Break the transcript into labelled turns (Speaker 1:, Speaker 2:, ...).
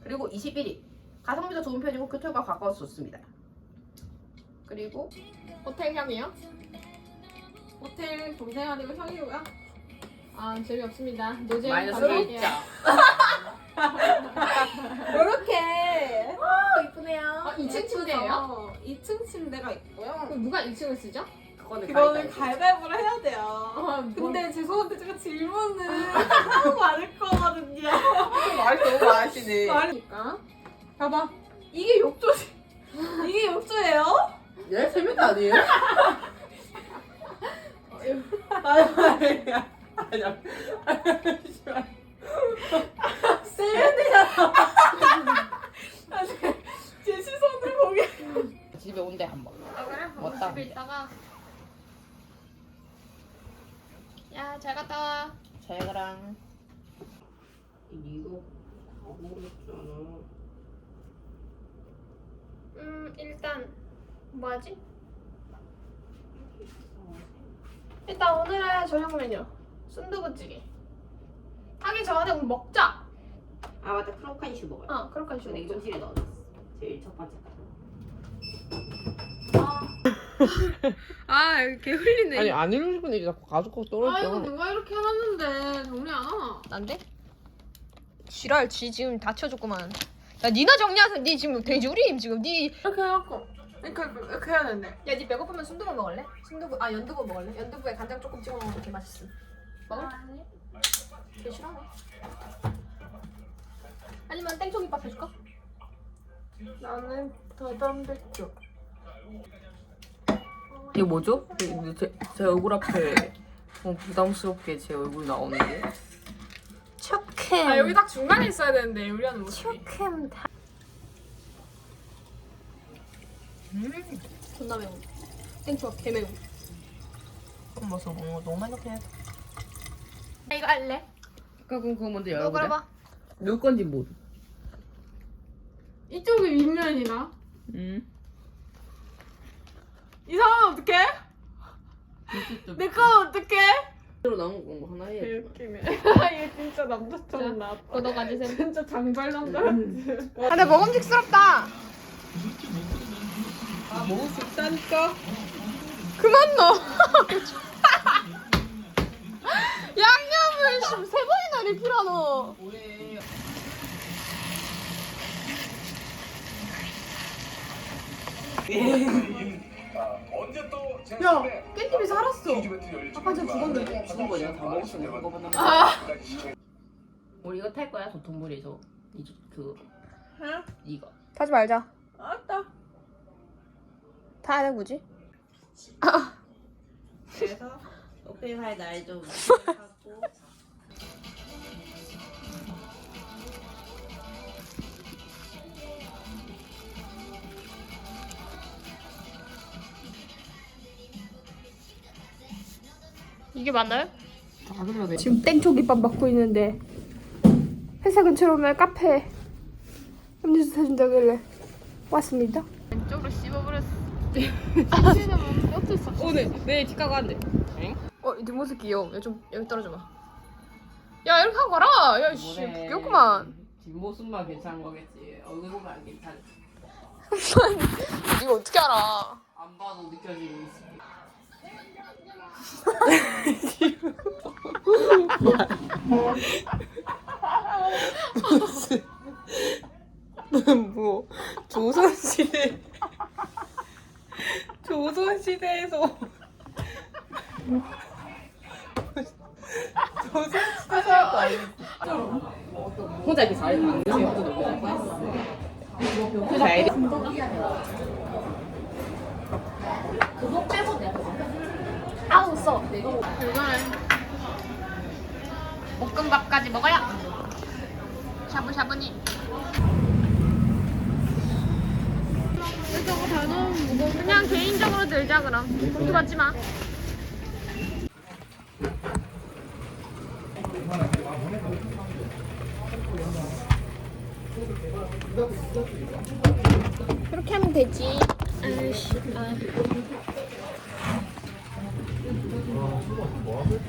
Speaker 1: 그리고 21위. 가성비도 좋은 편이고 교통과 가까워서 좋습니다. 그리고
Speaker 2: 호텔 향이요? 호텔 동생 아니고 형이고요? 아 재미없습니다. 노잼
Speaker 1: 마이너스
Speaker 2: 감사할게요.
Speaker 1: 1점.
Speaker 2: 이렇게
Speaker 1: 이쁘네요.
Speaker 2: 2층 침대예요?
Speaker 3: 2층 침대가 있고요.
Speaker 2: 그럼 누가 2층을 쓰죠?
Speaker 3: 그거는 가위바위보를 해야 돼요. 근데 죄송한데 제가 질문을 너무 많을 거거든요.
Speaker 1: 말 너무 많으시네.
Speaker 3: 말이니까. 봐봐. 이게 욕조지. 이게 욕조예요?
Speaker 1: 얘 세면 아니에요? 아니야.
Speaker 3: 세면대잖아. 제 시선을 보게.
Speaker 1: 집에 온대 한번.
Speaker 2: 아 그래?
Speaker 1: 왔다.
Speaker 2: 집에 있다가 야 잘 갔다 와.
Speaker 1: 잘 가랑. 이거 모르겠잖아.
Speaker 2: 일단 뭐하지? 일단 오늘의 저녁 메뉴 순두부찌개 하기 전에 우리 먹자.
Speaker 1: 아 맞다. 크로칸슈 먹어요.
Speaker 2: 그렇게
Speaker 1: 저 냉동실에 넣어놨어. 제일 첫 번째.
Speaker 2: 아 여기 개 흘리네.
Speaker 1: 아니 안 읽고 싶은 얘기 자꾸 가지고 떨어져.
Speaker 2: 누가 이렇게 해놨는데 정리 안 하나? 난데? 지랄 지 지금 다쳐줬구만. 야 니나 정리하세요. 니 지금 돼지우림 지금 니.
Speaker 3: 이렇게 해갖고. 이렇게 해야 되는데.
Speaker 2: 야 니 배고프면 순두부 먹을래? 연두부 먹을래? 연두부에 간장 조금 찍어 먹으면 되게 맛있어. 먹을? 아니. 되게 싫어하네. 아니면 땡초김밥 해줄까?
Speaker 3: 나는 더 담백죠.
Speaker 4: 이거 뭐죠? 제 얼굴 앞에 부담스럽게 제 얼굴 나오는데.
Speaker 2: 척캠.
Speaker 3: 아 여기 딱 중간에 있어야 되는데 요리하는 모습이.
Speaker 2: 척캠 다. 존나 매워. 땡초가 개 매워.
Speaker 4: 그럼 먹어서 먹는 거 너무 많이 넣긴 해.
Speaker 2: 이거 할래?
Speaker 1: 그럼 그거 먼저
Speaker 2: 너
Speaker 1: 열어보자.
Speaker 2: 그려봐.
Speaker 1: 누구 건지 모르.
Speaker 3: 이쪽이 윗면이나.
Speaker 4: 응.
Speaker 3: 이 상황 어떡해? 내 건 어떡해?
Speaker 1: 새로 나온 거 하나 해.
Speaker 3: 개웃기네. 얘 진짜 남자처럼 나왔다.
Speaker 2: 너 가지세요.
Speaker 3: 진짜 장발 남자 같지.
Speaker 2: 아, 근데 먹음직스럽다.
Speaker 1: 먹을 수 있다니까.
Speaker 2: 그만 넣어. 양념을 지금 3번이나 리필하노.
Speaker 1: 뭐해?
Speaker 3: 야, 깻잎이 살았어.
Speaker 2: 아빠 지금 죽었는데.
Speaker 1: 죽은 거 내가 다 먹었어. 먹어보나. 우리 이거 탈 거야 도톤보리에서. 이거.
Speaker 2: 타지 말자.
Speaker 3: 알았다.
Speaker 2: 타야 돼 굳이?
Speaker 1: 그래서 오페할 날좀 하고.
Speaker 2: 이게 맞나요?
Speaker 1: 다 들려 돼.
Speaker 2: 지금 땡초김밥 먹고 있는데 회사 근처로 오면 카페 음료수 사준다길래 왔습니다. 왼쪽으로 씹어버렸어. 어쩔 수 없어.
Speaker 1: 오늘 내일 집 가고 한대.
Speaker 2: 이 뒷모습 귀여워. 여기 떨어져봐. 야 이렇게 하고 가라. 야 씨, 귀엽구만.
Speaker 1: 뒷모습만 괜찮은 거겠지. 얼굴 보면 안 괜찮지.
Speaker 2: 이거 어떻게 알아?
Speaker 1: 안 봐도 느껴지고 있어.
Speaker 4: 뭐 조선시대에서 조선시대 사람도 아니고
Speaker 1: 혼자 이렇게 잘해. 안 그래서 혼자 놀고 잘 뻔했어. 잘. 그거 빼고 내가.
Speaker 2: 아우 써. 이거는 볶음밥까지 먹어야 샤브샤브니. 이거 다 너무 무거워. 그냥 개인적으로 들자 그럼. 공주 받지 마. 이렇게 하면 되지. 아이씨.